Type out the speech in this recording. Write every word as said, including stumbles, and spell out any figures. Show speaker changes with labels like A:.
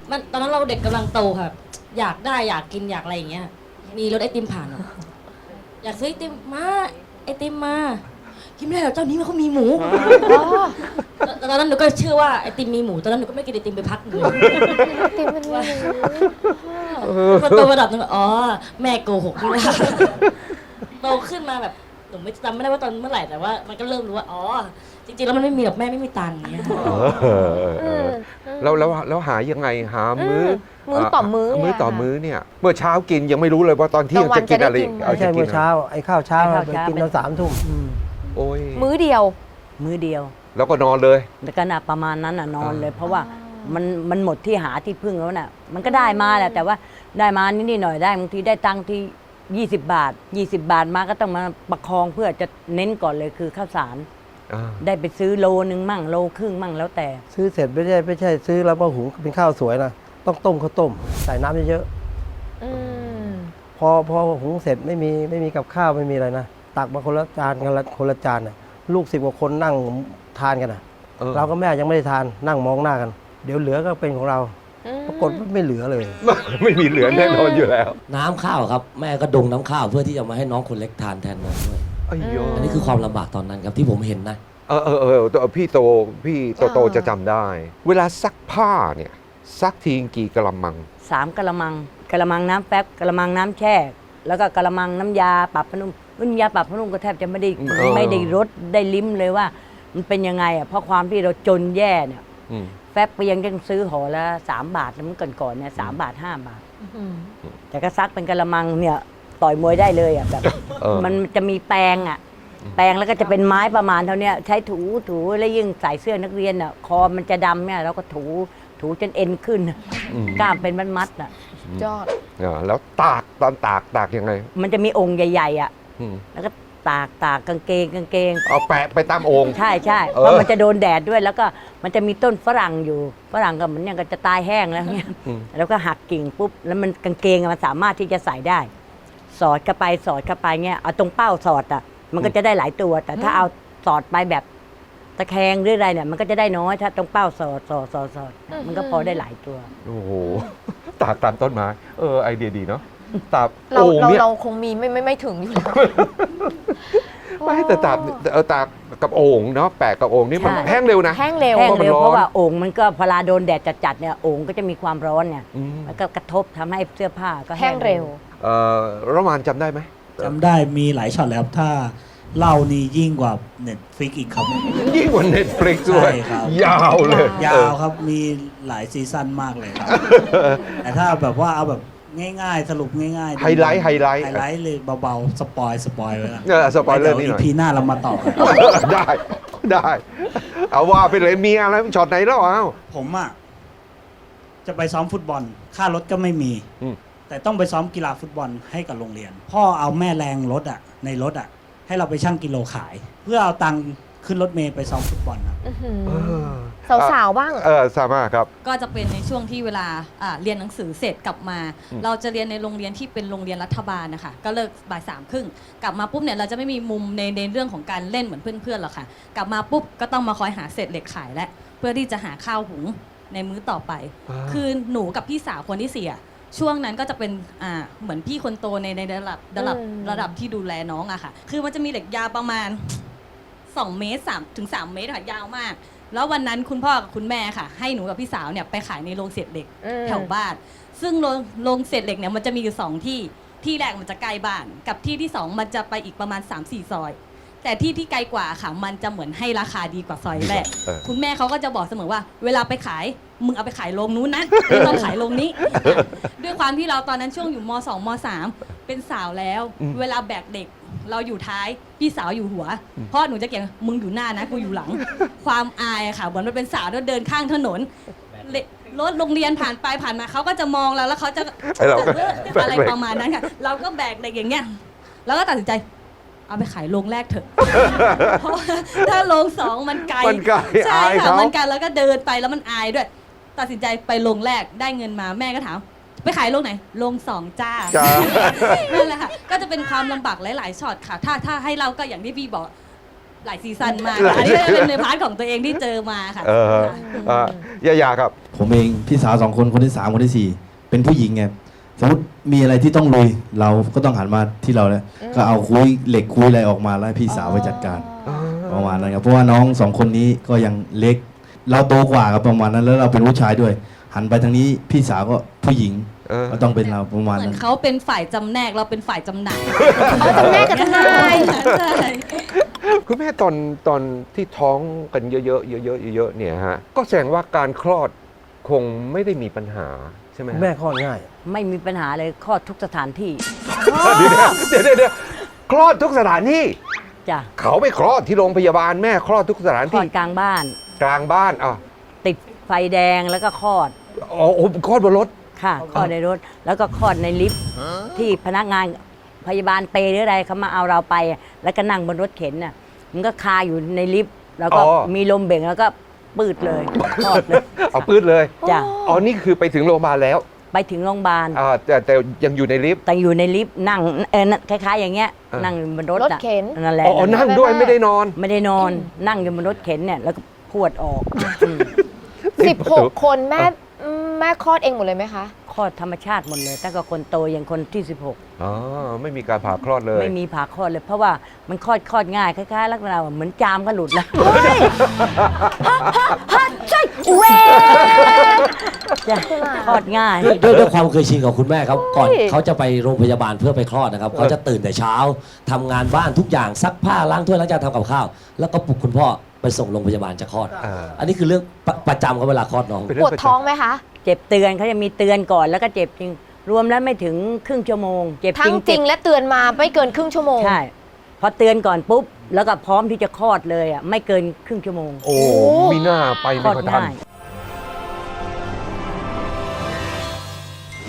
A: มันตอนนั้นเราเด็กกำลังโตค่ะอยากได้อยากกินอยากอะไรอย่างเงี้ยมีรถไอติมผ่านอะอยากซื้อไอติมมาไอติมมากินไม่ได้หรอกเจ้านี้มันเขามีหมูตอนนั้นหนูก็เชื่อว่าไอติมมีหมูตอนนั้นหนูก็ไม่กินไอติมไปพักหนึ่ง
B: ไอติมมันมีหมู
A: พอโตระดับหนึงอ๋อแม่โกหกนี่ว่าโตขึ้นมาแบบหนูไม่จำไม่ได้ว่าตอนเมื่อไหร่แต่ว่ามันก็เริ่มรู้ว่าอ๋อจริงๆแล้วมันไม่มีหรอกแม่ไม่มีตังค์อย่างเงี้ย
C: แล้วแล้วแล้วหายังไงหามื้อ
B: มื้อต่อมื้อ
C: มื้อต่อมื้อเนี่ยเมื่อเช้ากินยังไม่รู้เลยว่าตอนเที่ยงจะกินอะไร
D: ไม่ใช่เมื่อเช้าไอ้ข้าวเช้า
E: ไอ้ข้าว
D: ไป
E: เช้า
D: กินตอนสามทุ่ม
E: อืม
C: โอ้ย
B: มื้อเดียว
E: มื้อเดียว
C: แล้วก็นอนเลย
E: แต่ก็น่ะประมาณนั้นน่ะนอนเลย
C: อ่า
E: เพราะว่ามันมันหมดที่หาที่พึ่งแล้วน่ะมันก็ได้มาแหละแต่ว่าได้มานิดๆหน่อยๆได้บางทีได้ตังค์ที่ยี่สิบบาทยี่สิบบาทมาก็ต้องมาประคองเพื่อจะเน้นก่อนเลยคือข้าวสาร
C: อ่า
E: ได้ไปซื้อโลนึงมั่งโลครึ่งมั่งแล้วแต่
D: ซื้อเสร็จไม่ใช่ไม่ใช่ซื้อแล้วมาหุงเป็นข้าวสวยนะต้องต้มข้าวต้มใส่น้ำเยอะ
B: อืม
D: ๆพอพอหุงเสร็จไม่มีไม่มีกับข้าวไม่มีอะไรนะตักมาคนละจานคนละคนละจานน่ะลูกสิบกว่าคนนั่งทานกันนะ
C: ออ
D: เราก็แม่ยังไม่ได้ทานนั่งมองหน้ากัน เดี๋ยวเหลือก็เป็นของเรา
B: อืม
D: ปรากฏว่าไม่เหลือเลย
C: ไม่มีเหลือแน่นอนอยู่แล้ว
F: น้ำข้าวครับแม่ก็ดงน้ำข้าวเพื่อที่จะมาให้น้องคนเล็กทานแทนน้องด้วย
C: ไอ้โย
F: อันนี้คือความลำบากตอนนั้นครับที่ผมเห็นนะ
C: เออเออเออตัวพี่โตพี่โตโตจะจำได้ เวลาซักผ้าเนี่ยซักทีกี่กะละมัง
E: สามกะละมังกะละมังน้ำแป๊บกะละมังน้ำแช่ แล้วก็กะละมังน้ำยาปรับผ้านุ่มน้ำยาปรับผ้านุ่มก็แทบจะไม่ได้
C: เออ
E: ไม่ได้รสได้ลิ้มเลยว่า มันเป็นยังไงอ่ะเพราะความที่เราจนแย่เนี่ย
C: อืม
E: แฟบไปยังยังซื้อห่อละสามบาทแล้วมันก่อนก่อนๆเนี่ยสามบาทห้าบาท
B: อืม
E: แต่ก็ซักเป็นกะละมังเนี่ยต่อยมวยได้เลยอ่ะแบบ
C: เออ
E: มันจะมีแปรงอ่ะแปรงแล้วก็จะเป็นไม้ประมาณเท่าเนี้ยใช้ถูถูแล้วยิ่งใส่เสื้อนักเรียนอ่ะคอมันจะดำเนี่ยเราก็ถูถูจนเอ็นขึ้น
C: อืม
E: กล้ามเป็นมัดๆอ่ะ
B: ยอด
C: อ่าแล้วตากตอนตากตากยังไง
E: มันจะมีองค์ใหญ่ๆอ่ะ
C: อืม
E: แล้วก็ตากตากกางเกงกางเกง
C: เอาแปะไปตามโองค์
E: ใช่ใช่
C: เออ
E: เพราะมันจะโดนแดดด้วยแล้วก็มันจะมีต้นฝรั่งอยู่ฝรั่งก็เหมือนอย่างก็จะตายแห้งแล้วเนี่ย
C: อืม
E: แล้วก็หักกิ่งปุ๊บแล้วมันกางเกงอะมันสามารถที่จะใส่ได้ สอดเข้าไปสอดเข้าไปเงี้ยเอาตรงเป้าสอดอ่ะมันก็จะได้หลายตัว แต่ถ้าเอาสอดไปแบบตะแคงหรืออะไรเนี่ยมันก็จะได้น้อยถ้าตรงเป้าสอดสอดสอดสอดมันก็พอได้หลายตัว
C: โอ้โห ตากตามต้นไม้ เออ ไอเดียดีเนาะ ตาก
B: เรา
C: โอ่ง
B: เรา
C: เนี่ย
B: เราคงมีไม่ไม่ไม่ถึงอยู่แล้ว
C: ไม่แต่ตากเออตากกับโอ่งเนาะ แปะกับโอ่งนี่มัน
E: ใช่
C: แห้งเร็วนะ
B: แห้งเร็ว
E: แห้ง
C: เพราะมัน
E: เร็ว
C: ร้อน
E: เพราะว่าโอ่งมันก็พอลาโดนแดดจัดๆเนี่ยโอ่งก็จะมีความร้อนเนี่ย
C: อืม
E: มันก็กระทบทำให้เสื้อผ้าก็
B: แห้งเร็ว
C: เอ่อระมานจำได้ไหม
G: จำได้มีหลายช็อตแล้วครับถ้าเล่านี่ยิ่งกว่าเน็ตฟลิกอีกครับ
C: ยิ่งกว่าเน็ตฟลิกด้วย
G: ใช่ครับ
C: ยาวเลย
G: ยาวครับมีหลายซีซั่นมากเลยครับ แต่ถ้าแบบว่าเอาแบบง่ายๆ สรุปง่ายๆ
C: ไฮไลท์ไฮไลท์
G: ไฮไลท์เลยเบาๆ สปอยสปอยไว้ก่อน
C: เออสปอยเลอร์
G: ดี๋ว
C: นี่หน่อย
G: พีหน้าเรามาต่อกัน
C: ได้ ได้ เอาว่าไปเลยมีอะไรช็อตไหนแล้วอ้าว
G: ผมอ่ะ จะไปซ้อมฟุตบอล ค่ารถก็ไม่มี
C: อืม
G: แต่ต้องไปซ้อมกีฬาฟุตบอลให้กับโรงเรียน พ่อเอาแม่แรงรถอ่ะ ในรถอ่ะ ให้เราไปชั่งกิโลขาย เพื่อเอาตังค์ขึ้นรถเมล์ไปซ้อมฟุตบอลครับ
B: อื้อหือ
C: เออ
B: สาวๆบ้าง
C: เออสามารถครับ
A: ก็จะเป็นในช่วงที่เวลาอ่าเรียนหนังสือเสร็จกลับมา
C: อืม
A: เราจะเรียนในโรงเรียนที่เป็นโรงเรียนรัฐบาลนะคะก็เลิกบ่ายสามครึ่งกลับมาปุ๊บเนี่ยเราจะไม่มีมุมในในเรื่องของการเล่นเหมือนเพื่อนๆหรอกค่ะกลับมาปุ๊บก็ต้องมาคอยหาเศษเหล็กขายและเพื่อที่จะหาข้าวหุงในมื้อต่อไป
C: อ่า
A: คือหนูกับพี่สาวคนที่สี่อะช่วงนั้นก็จะเป็นอ่าเหมือนพี่คนโตในในระดับระดับ
B: อืม
A: ระดับที่ดูแลน้องอะค่ะคือมันจะมีเหล็กยาวประมาณสองเมตรสามถึงสามเมตรค่ะยาวมาก แล้ววันนั้นคุณพ่อกับคุณแม่ค่ะ ให้หนูกับพี่สาวเนี่ยไปขายในโรงเศษเหล็ก
B: อืม
A: แถวบ้าน ซึ่งโรงโรงเศษเหล็กเนี่ยมันจะมีอยู่สองที่ที่แรกมันจะใกล้บ้าน กับที่ที่สองมันจะไปอีกประมาณ สามสี่ ซอย แต่ที่ที่ไกลกว่าค่ะมันจะเหมือนให้ราคาดีกว่าซอยแรก
C: เออ
A: คุณแม่เขาก็จะบอกเสมอว่า เวลาไปขายมึงเอาไปขายโรงนู้นนะไม่ต้องขายโรงนี้ ด้วยความที่เราตอนนั้นช่วงอยู่มสองมสามเป็นสาวแล้ว
C: อืม
A: เวลาแบกเด็กเราอยู่ท้ายพี่สาวอยู่หัวพ่อหนูจะเก่งมึงอยู่หน้านะกูอยู่หลัง ความอายอะค่ะเหมือนมันเป็นสาวแล้วเดินข้างถนนเลรถโรงเรียนผ่านไปผ่านมาเขาก็จะมองเราแล้วเขาจะ
C: ไอ้เราก็
A: เอออะไรประมาณนั้นค่ะ เราก็แบกเด็กอย่างเงี้ยแล้วก็ตัดสินใจ เอาไปขายโรงแรกเถอะ เพราะว่าถ้าโรงสองมันไกล
C: มันไกล
A: ใช่
C: อาย
A: ค่ะ
C: เขา
A: มันไกลแล้วก็เดินไปแล้วมันอายด้วย ตัดสินใจไปโรงแรกได้เงินมาแม่ก็ถาม ไปขายโรงไหนโรงสองจ้า
C: จ้า
A: นั่นแหละค่ะก็จะเป็นความลำบากหลาย ๆช็อตค่ะ ถ้าถ้าให้เราก็อย่างที่พี่บอกหลายซีซั่นมากค่ะอันนี้ก็เป็นในพาร์ทของตัวเองที่เจอมาค่ะ
C: เออเอ่อยายาครับ
H: ผมเองพี่สาวสองคนคนที่สามคนที่สี่เป็นผู้หญิงไงสมมติมีอะไรที่ต้องลุยเราก็ต้องหันมาที่เราแล้วก็เอาคุยเหล็กคุยอะไรออกมาแล้วให้พี่สาวไปจัดการประมาณนั้นครับเพราะว่าน้องสองคนนี้ก็ยังเล็ก เราโตกว่าครับประมาณนั้นแล้วเราเป็นผู้ชายด้วย หันไปทางนี้พี่สาวก็ผู้หญิง
C: เออ
H: ก็ต้องเป็นเราประมาณ
A: เหมือ
H: นั้น น
A: เขาเป็นฝ่ายจำแนกเราเป็นฝ่ายจำหน่าย
B: เขาจำแนกกับทนาย
A: ใช่
C: คุณแม่ตอนตอนที่ท้องกันเยอะๆเยอะๆเยอะๆเนี่ยฮะก็แสดงว่าการคลอดคงไม่ได้มีปัญหาใช่ไหมฮะ
D: แม่คลอดง่าย
E: ไม่มีปัญหาเลยคลอดทุกสถานที่
C: เดี๋ยวเดี๋ยวเดี๋ยวคลอดทุกสถานที่
E: จ้ะ
C: เขาไปคลอดที่โรงพยาบาลแม่คลอดทุกสถาน
E: คลอ
C: ที่
E: ดกลางบ้าน
C: กลางบ้านอ่ะ
E: ติดไฟแดงแล้วก็คลอด
C: อ๋อโอ้คลอดบนรถ
E: ค่ะคลอดในรถ แล้วก็คลอดในลิฟต์ที่พนักงานพยาบาลเปรย์หรืออะไรเขามาเอาเราไป แล้วก็นั่งบนรถเข็นน่ะมันก็คาอยู่ในลิฟต์แล้วก็
C: อ๋อ
E: มีลมเบ่งแล้วก็ปืดเลยคลอดเลย
C: เอาปื้ดเลย
E: จ้ะ
C: อ๋อนี่คือไปถึงโรงพยาบาลแล้ว
E: ไปถึงโรงพยาบาล
C: อ่าแต่แต่ยังอยู่ในลิฟต์
E: แต่อยู่ในลิฟต์นั่งเออคล้ายๆ อย่างเงี้ย
C: เออ
E: นั่งบนรถ
B: รถ
E: อะ
B: เข็น
E: นั่นแหละ
C: อ๋อนั่งด้วยไม่ได้นอน
E: ไม่ได้นอนนั่งอยู่บนรถเข็นเนี่ยแล้วก็พวดออกอืม
B: สิบหกคนแม่แม่คลอดเองหมดเลยไหมคะ
E: คลอดธรรมชาติหมดเลยตั้งแต่คนโตอย่างคนที่สิบหก
C: อ๋อไม่มีการผ่าคลอดเลย
E: ไม่มีผ่าคลอดเลย เพราะว่ามันคลอดคลอดง่ายคล้ายๆลักษณะเหมือนจามก็หลุดแล้วใช่เว้จะคลอดง่าย
F: ด้วยด้วยด้วยความเคยชินของคุณแม่ครับก่อน
B: เฮ้ย
F: เขาจะไปโรงพยาบาลเพื่อไปคลอดนะครับเขาจะตื่นแต่เช้าทำงานบ้านทุกอย่างซักผ้าล้างถ้วยล้างจานทำกับข้าว แล้วก็ปลุกคุณพ่อไปส่งโรงพยาบาลจะคลอด
C: อ่า
F: อันนี้คือเรื่องประประจำเขาเวลาคลอดน้อง
C: เป็น
B: ป
C: เรื่
B: วด
C: ประจำ
B: ท้องไหมคะ
E: เจ็บเตือนเขาจะมีเตือนก่อนแล้วก็เจ็บจริง รวมแล้วไม่ถึงครึ่งชั่วโมง เจ็บ
B: ทั้
E: จ
B: ง
E: ริง
B: จริงและเตือนมาไม่เกินครึ่งชั่วโมง
E: ใช่ พอเตือนก่อนปุ๊บ แล้วก็พร้อมที่จะคลอดเลยอ่ะไม่เกินครึ่งชั่วโมง
C: โอ้มีหน้าไป
E: คล
C: ไม่
E: อด
C: ค่อยทัน
E: ง่าย